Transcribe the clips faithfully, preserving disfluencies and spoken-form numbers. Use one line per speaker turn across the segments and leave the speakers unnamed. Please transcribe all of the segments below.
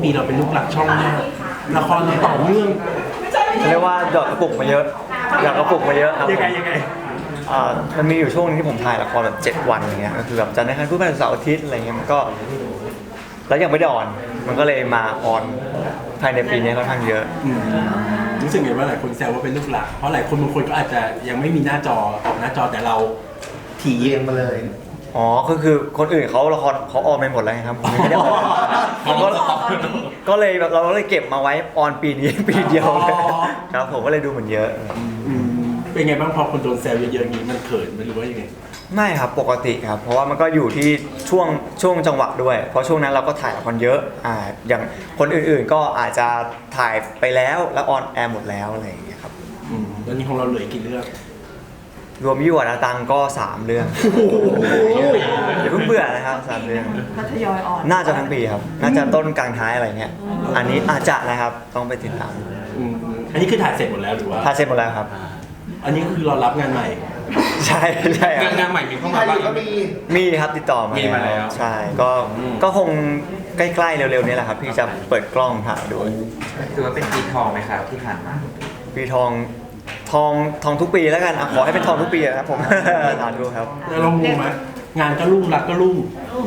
ปีเราเป็นลูกหลักช่องมากละครเราต่อเนื่อง
เรียกว่าหยอดกระปุกมาเยอะหยอดกระปุกมาเยอะครับ
ยังไงยังไง
อ่ามันมีอยู่ช่วงนึงที่ผมถ่ายละครแบบเจ็ดวันอย่างเงี้ยก็คือแบบจันทร์อังคารพุธพฤหัสเสาร์อาทิตย์อะไรเงี้ยมันก็แล้วยังไม่ได้ออนมันก็เลยมาออนภายในปีนี้ค่อนข้างเยอะ
อืมรู้สึกไงว่าหลายคนแซวว่าเป็นลูกหลักเพราะหลายคนบางคนก็อาจจะยังไม่มีหน้าจอออกหน้าจอแต่เราถี่เองมาเลย
อ๋อคือคือคนอื่นเขาละครเขาออนไปหมดแล้วไงครับผมไม่ได้ออนผมก็ก็เลยแบบเราก็เลยเก็บมาไว้ออนปีนี้ปีเดียวเลยครับผมก็เลยดูเหมือนเยอะ
เป็นไงบ้างพอคนโดนแซวเยอะๆอย่างนี้มันเขินไหมหรือว่ายังไง
ไม่ครับปกติครับเพราะว่ามันก็อยู่ที่ช่วงช่วงจังหวะด้วยเพราะช่วงนั้นเราก็ถ่ายละครเยอะอ่าอย่างคนอื่นๆก็อาจจะถ่ายไปแล้วแล้วออนแอร์หมดแล้วอะไรอย่างเงี้ยครับ
อืมแล้วนี่ของเราเหลือกี่เรื่อง
รวมยี่หวานาตังก็สามเรื่องอย่าเพิ่งเบื่อนะครับสามเรื่อง
ก็ทยอยออน
น่าจะทั้งปีครับน่าจะต้นกลางท้ายอะไรเงี้ยอันนี้อาจจะนะครับต้องไปติดตาม
อันนี้คือถ่ายเสร็จหมดแล้วหรือว่า
ถ่ายเสร็จหมดแล้วครับ
อันนี้คือเรารับงานใหม่
ใช่ใช่
งานใหม่มีเข้ามาบ้าง
ก็มี
มีครับติดต่อมา
มีมาแล้ว
ใช่ก็ก็คงใกล้ๆเร็วๆนี้แหละครับพี่จะเปิดกล้องถ่ายด้วย
ถือว่าเป็นปีทองไหมครับที่ผ่านมา
ปีทองทองทองทุกปีแล้วกันขอให้เป็นทองทุกปีครับผมสาธุครับ
แล้วเรางงไหมงานก็รุ่งรักก็รุ่ง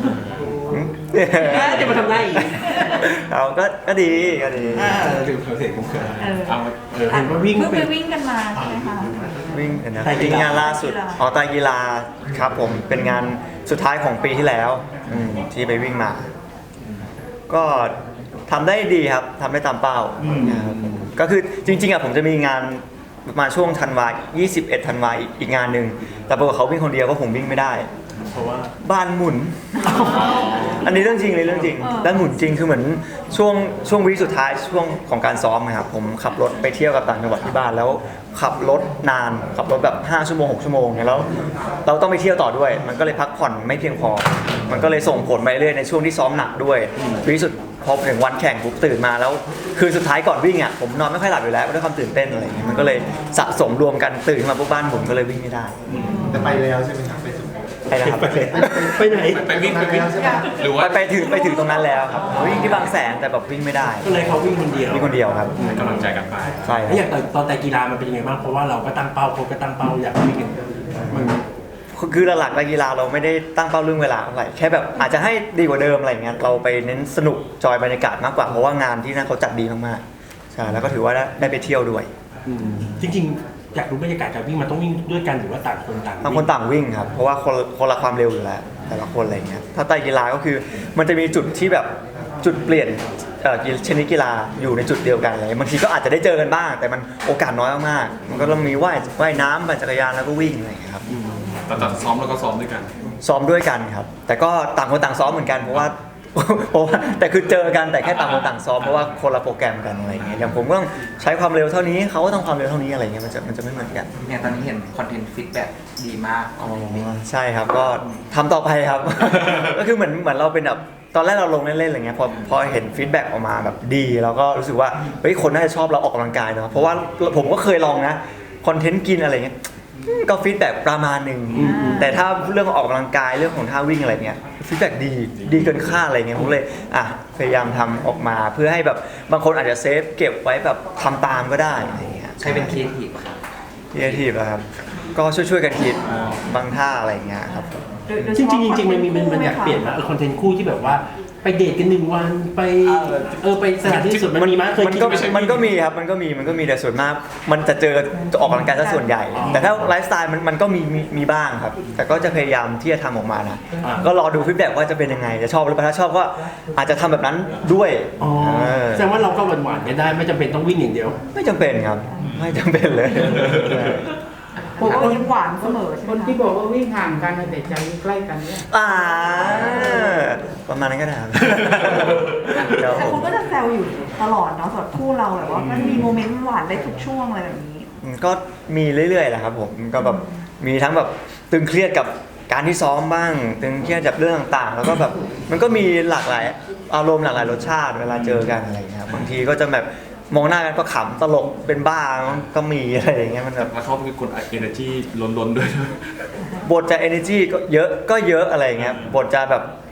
จะมาทำได้อีก
เราก็ก็ดีก็ดี
ถึงเสร็จผมเคย
เอา
เห็นว่าวิ่ง
ไปวิ่งกันมาใช่ไหมคะ
วิ่งนะวิ่งงานล่าสุดอ๋อไตรกีฬาครับผมเป็นงานสุดท้ายของปีที่แล้วที่ไปวิ่งมาก็ทำได้ดีครับทำได้ตามเป้าก็คือจริงๆอ่ะผมจะมีงานมาช่วงธันวายี่สิบเอ็ดธันวาอีกงานหนึ่งแต่ปรากฏเขาวิ่งคนเดียวเพราะผมวิ่งไม่ได้
เพราะว่า
บ้านหมุนอันนี้เรื่องจริงเลยเรื่องจริงบ้านหมุนจริงคือเหมือนช่วงช่วงวีคสุดท้ายช่วงของการซ้อมนะครับผมขับรถไปเที่ยวกับต่างจังหวัดที่บ้านแล้วขับรถนานขับรถแบบห้าชั่วโมงหกชั่วโมงเนี่ยแล้วเราต้องไปเที่ยวต่อด้วยมันก็เลยพักผ่อนไม่เพียงพอมันก็เลยส่งผลไปเรื่อยในช่วงที่ซ้อมหนักด้วยวีคสุดพอถึงวันแข่งปุ๊บตื่นมาแล้วคือสุดท้ายก่อนวิ่งอ่ะผมนอนไม่ค่อยหลับอยู่แล้วด้วยความตื่นเต้นอะไรอย่างเงี้ยมันก็เลยสะสมรวมกันตื่นมาปุ๊บบ้านหมุนก็เลยวิ่งไม่ได้
แต่ไปแล้วใช่ไหมครับไปสุด
ไปนะครับ
ไปไหน
ไปวิ่งไปวิ่งหรือว่า
ไปถึงไปถึงตรงนั้นแล้วครับวิ่งที่บางแสนแต่แบบวิ่งไม่ได้
ก็เลยเขาวิ่งคนเดียว
วิ่งคนเดียวครับ
กำลังใจกันไป
ใช่
แล้วอย่างตอนแต่กีฬามันเป็นยังไงบ้างเพราะว่าเราก็ตั้งเป้าเขาก็ตั้งเป้าอยากวิ่งมัน
คือหลักๆกีฬาเราไม่ได้ตั้งเป้าเรื่องเวลาเท่าไหร่แค่แบบอาจจะให้ดีกว่าเดิมอะไรเงี้ยเราไปเน้นสนุกจอยบรรยากาศมากกว่าเพราะว่างานที่นั่นเขาจัดดีมากๆใช่แล้วก็ถือว่าได้ไปเที่ยวด้วย
จริงๆอยากรู้บรรยากาศการวิ่งมันต้องวิ่งด้วยกันหรือว่าต่างคนต่าง
ต่างคนต่างวิ่งครับเพราะว่าคนคนละความเร็วอยู่แล้วแต่ละคนอะไรเงี้ยถ้าไตรกีฬาก็คือมันจะมีจุดที่แบบจุดเปลี่ยนชนิดกีฬาอยู่ในจุดเดียวกันอะไรบางทีก็อาจจะได้เจอกันบ้างแต่มันโอกาสน้อยมากๆมันก็ต้องมีว่ายว่ายน้ำปั่นจักรยานแล้วก็วิ่งอะไรครับ
แต่แต่ซ้อมแล้วก็ซ้อมด้วยกัน
ซ้อมด้วยกันครับแต่ก็ต่างคนต่างซ้อมเหมือนกันเพราะว่าเพราะว่าแต่คือเจอกันแต่แค่ต่างคนต่างซ้อมเพราะว่าคนละโปรแกรมกันอะไรเงี้ยอย่างผมก็ต้องใช้ความเร็วเท่านี้เขาก็ต้องความเร็วเท่านี้อะไรเงี้ยมันจะมันจะไม่เหมือนกัน
เนี่ยตอนนี้เห็นคอนเทนต์ฟีดแบ็กดีมาก
อ๋อใช่ครับก็ทำต่อไปครับ ก็คือเหมือนเหมือนเราเป็นแบบตอนแรกเราลงเล่นๆอะไรเงี้ยพอพอเห็นฟีดแบ็กออกมาแบบดีเราก็รู้สึกว่าเฮ้ยคนน่าจะชอบเราออกกำลังกายเนาะเพราะว่าผมก็เคยลองนะคอนเทนต์กินอะไรเงี้ยก็ฟีดแบ็กประมาณหนึ่งแต่ถ้าเรื่องออกกำลังกายเรื่องของท่าวิ่งอะไรเงี้ยฟีดแบ็กดีดีเกินคาดอะไรเงี้ยผมเลยอ่ะพยายามทำออกมาเพื่อให้แบบบางคนอาจจะเซฟเก็บไว้แบบทำตามก็ได้อะไรเงี้ย
ใช้เป็นครีเอทีฟครับ
ครีเอทีฟครับก็ช่วยๆกันคิดบางท่าอะไรเงี้ยครับ
จริงจริงจริงมันมีมันอยากเปลี่ยนมาเออคอนเทนต์คู่ที่แบบว่าไปเดทกันหนึ่งวันไปเออไปสถานที่สุดมันมีมั้ยเคย
มันก็มันก็มีครับมันก็มีมันก็มีแต่ส่วนมากมันจะเจอออกกำลังกายซะส่วนใหญ่แต่ถ้าไลฟ์สไตล์มันมันก็มีมีบ้างครับแต่ก็จะพยายามที่จะทำออกมานะก็รอดูฟีดแบ็กว่าจะเป็นยังไงจะชอบหรือเปล่าถ้าชอบก็อาจจะทำแบบนั้นด้วย
อ๋อแสดงว่าเราก็หวานๆกันได้ไม่จำเป็นต้องวิ่งอย่างเดียว
ไม่จำเป็นครับไม่จำเป็นเลย
ผมก็ยิ้มหวานเสมอใช่ไหม
คนที่บอกว่าวิ่งห่างกันแต่ใจใกล้กันเนี่ย
อ่าประมาณนั้นก็ได้
แต่คนก็จะแซวอยู่ตลอดเนาะสำหรับคู่เราแบบว่ามันมีโมเมนต์หวานได้ทุกช่วงอะไรแบบนี้
ก็มีเรื่อยๆแหละครับผมก็แบบมีทั้งแบบตึงเครียดกับการที่ซ้อมบ้างตึงเครียดจากเรื่องต่างๆแล้วก็แบบมันก็มีหลากหลายอารมณ์หลากหลายรสชาติเวลาเจอกันอะไรอย่างเงี้ยบางทีก็จะแบบมองหน้ากันก็ขำตลกเป็นบ้าก็มีอะไรอย่างเงี้ยมันแบบ
แล้วเขาเป็นคน energy ล้นๆด้วย
บทจะ energy ก็เยอะก็เยอะอะไรอย่างเงี้ยบทจะแบบ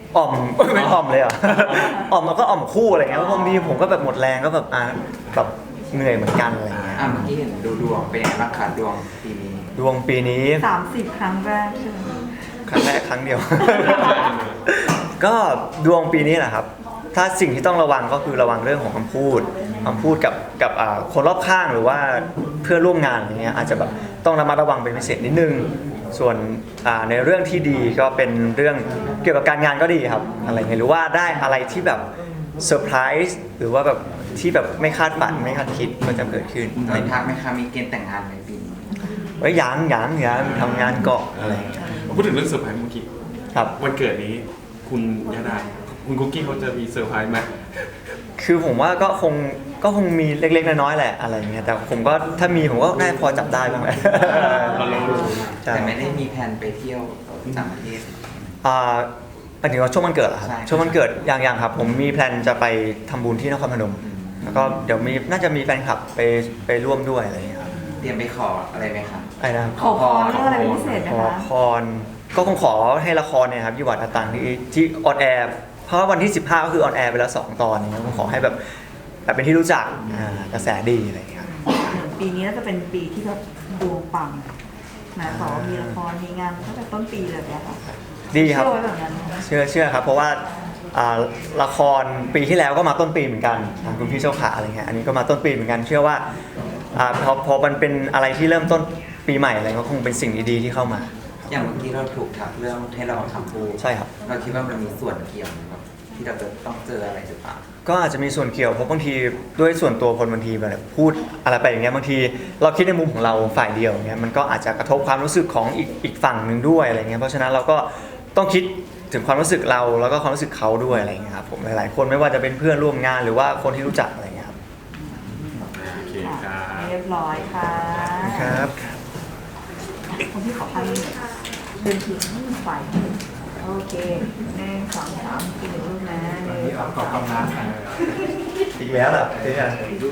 อ่อม ไม่อ่อมเลยเหรอ่ะ อ่อมแล้วก็อ่อมคู่อะไรเงี้ยเพราะบางทีผมก็แบบหมดแรงก็แบบอ่ะแบบเหนื่อยเหมือนกันอะไรเงี้ย
อ่าเมื่อกี้เห็นดูดวงเป็นยังไงบ้างคะดวงปีนี้
ดวงปีนี้
สามสิบครั้งแรกใช่ไหม
ครั้งแรกครั้งเดียว ก็ดวงปีนี้แหละครับ ถ้าสิ่งที่ต้องระวังก็คือระวังเรื่องของคำพูดคำพูดกับกับอ่าคนรอบข้างหรือว่าเพื่อนร่วมงานอย่างเงี้ยอาจจะแบบต้องระมัดระวังเป็นพิเศษนิดนึง ส่วนอ่าในเรื่องที่ดีก็เป็นเรื่องเกี่ยวกับการงานก็ดีครับอะไรเงี้ยหรือว่าได้อะไรที่แบบเซอร์ไพรส์หรือว่าแบบที่แบบไม่คาดฝันไม่คาดคิดก็จะเกิดขึ้น
มีทักไหมคะมีเกณฑ์แต่งงานในปีนี้
เอ้ยยังยังยังทำงานเกาะอะไรเงี้ย
พูดถึงเรื่องเซอร์ไพรส์เมื่อกี้
ครับ
วันเกิดนี้คุณยาดาคุณคุกกี้เขาจะมีเซอร์ไพรส์ไหม
คือผมว่าก็คงก็คงมีเล็กๆน้อยๆแหละอะไรเงี้ยแต่ผมก็ถ้ามีผมก็น่าพอจับได้บ้างแหละ
เราลองดู
ใช่
แต่ไม่ได้มีแผนไปเที่ยวต่างประเทศ
อ่าหมายถึงว่าช่วงวันเกิดเหรอครับ
ใช่
ช่วงวันเกิดยังยังครับ ผมมีแพลนจะไปทำบุญที่นครพนม แล้วก็เดี๋ยวมีน่าจะมีแฟนคลับไปไปร่วมด้วยอะไรเงี้ยครับ
เตรียมไปขออะไรไหมคะ
ไอ้นะครับ
ขอพรเรื่องอะไรเป็นพิเศษไหม
ขอ
คะ
พรก็คงขอให้ละครเนี่ยครับยี่หวัดอาตังที่ที่ออนแอร์เพราะว่าวันที่สิบห้าก็คือออนแอร์ไปแล้วสองตอนเนี่ยผมขอให้แบบแบบเป็นที่รู้จักอ่ากระแสดีอะไรเงี้ยครับ
ปีนี้น่าจะเป็นปีที่แบบดวงปังนะต่อมีละครมีงานตั้งแต่ต้นปีเลยนะคะ
ดีครับ
เชื่อไว้แบบนั้น
เชื่อเชื่อครับเพราะว่าอ่าละครปีที่แล้วก็มาต้นปีเหมือนกันทางคุณพี่เจ้าขาอะไรเงี้ยอันนี้ก็มาต้นปีเหมือนกัน เชื่อว่าอ่าพอพอมันเป็นอะไรที่เริ่มต้นปีใหม่อะไรก็คงเป็นสิ่งดีๆที่เข้ามา
อย่างเมื่อกี้เราถูกทักเรื่องให้เราทำพูด
ใช่ครับ
เราคิดว่ามันมีส่วนเกี่ยวไหมครับที่เราจะต้องเจออะไรหรือเปล่า
ก็อาจจะมีส่วนเกี่ยวเพราะบางทีด้วยส่วนตัวคนบางทีแบบพูดอะไรไปอย่างเงี้ยบางทีเราคิดในมุมของเราฝ่ายเดียวอย่างเงี้ยมันก็อาจจะกระทบความรู้สึกของอีกอีกฝั่งหนึ่งด้วยอะไรเงี้ยเพราะฉะนั้นเราก็ต้องคิดถึงความรู้สึกเราแล้วก็ความรู้สึกเขาด้วยอะไรเงี้ยครับผมหลายๆคนไม่ว่าจะเป็นเพื่อนร่วมงานหรือว่าคนที่รู้จักอะไรเงี้ยครับ
โอเคค
ค่ะ
รับ
เรียบร้อยค่ะ
ครับ
คนที่ขอพันเดินถึงฝ่ายโอเคหนึ่งสองสามกินหนึ่งรูปนะหนึ่งสองสาม
อีกแล้วเหรอเจ๊อ่ะ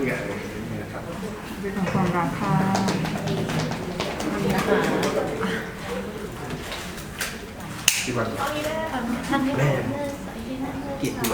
ของความรักค่ะวันนี้นะคะ
ที่วัน
กิจตัว